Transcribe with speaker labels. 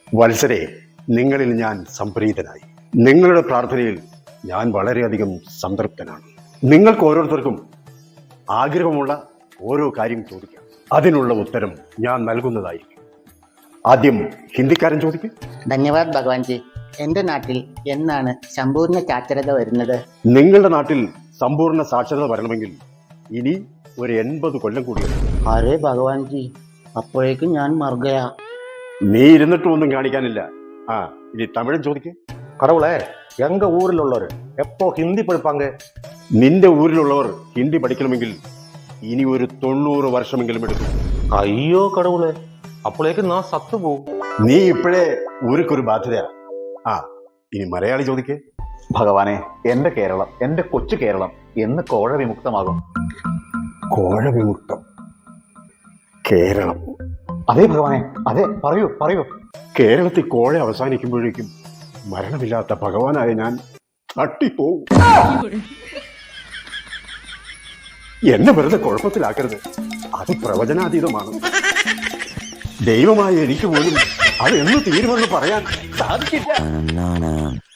Speaker 1: വത്സരെ, നിങ്ങളിൽ ഞാൻ സംപ്രീതനായി. നിങ്ങളുടെ പ്രാർത്ഥനയിൽ ഞാൻ വളരെയധികം സംതൃപ്തനാണ്. നിങ്ങൾക്ക് ഓരോരുത്തർക്കും ആഗ്രഹമുള്ള ഓരോ കാര്യം ചോദിക്കാം. അതിനുള്ള ഉത്തരം ഞാൻ നൽകുന്നതായിരിക്കും. ആദ്യം ഹിന്ദിക്കാരൻ ചോദിക്കും.
Speaker 2: ധന്യവാദ് ഭഗവാൻജി. എൻ്റെ നാട്ടിൽ എന്നാണ് സമ്പൂർണ്ണ സാക്ഷരത വരുന്നത്?
Speaker 1: നിങ്ങളുടെ നാട്ടിൽ സമ്പൂർണ്ണ സാക്ഷരത വരണമെങ്കിൽ ഇനി ഒരു 80 കൊല്ലം കൂടിയുണ്ട്.
Speaker 2: അരേ ഭഗവാൻജി, അപ്പോഴേക്കും ഞാൻ മറുകയാ.
Speaker 1: നീ ഇരുന്നിട്ടും ഒന്നും കാണിക്കാനില്ല. ഇനി തമിഴൻ ചോദിക്കേ.
Speaker 3: கடவுளே, எங்க ஊரில் உள்ளவர் எப்போ ஹிந்தி படிப்பாங்க?
Speaker 1: നിന്റെ ഊരിലുള്ളവർ ഹിന്ദി പഠിക്കണമെങ്കിൽ ഇനി ഒരു 90 വർഷമെങ്കിലും എടുക്കും.
Speaker 3: അയ്യോ കടവുളെ, അപ്പോഴേക്ക് നാ സത്തു പോവും.
Speaker 1: നീ ഇപ്പോഴേ ഊരിക്കൊരു ബാധ്യതയാ. ഇനി മലയാളി ചോദിക്കേ.
Speaker 4: ഭഗവാനെ, എന്റെ കേരളം, എന്റെ കൊച്ചു കേരളം എന്ന് കോഴ വിമുക്തമാകും?
Speaker 1: കോഴ വിമുക്തം? കേരളം?
Speaker 4: അതെ ഭഗവാനെ, അതെ, പറയൂ പറയൂ.
Speaker 1: കേരളത്തിൽ കോഴ അവസാനിക്കുമ്പോഴേക്കും മരണമില്ലാത്ത ഭഗവാനായ ഞാൻ തട്ടിപ്പോവും. എന്നെ വെറുതെ കുഴപ്പത്തിലാക്കരുത്. അത് പ്രവചനാതീതമാണ്. ദൈവമായ എനിക്ക് പോലും അത് എന്ന് തീരുമെന്ന് പറയാൻ സാധിക്കില്ല.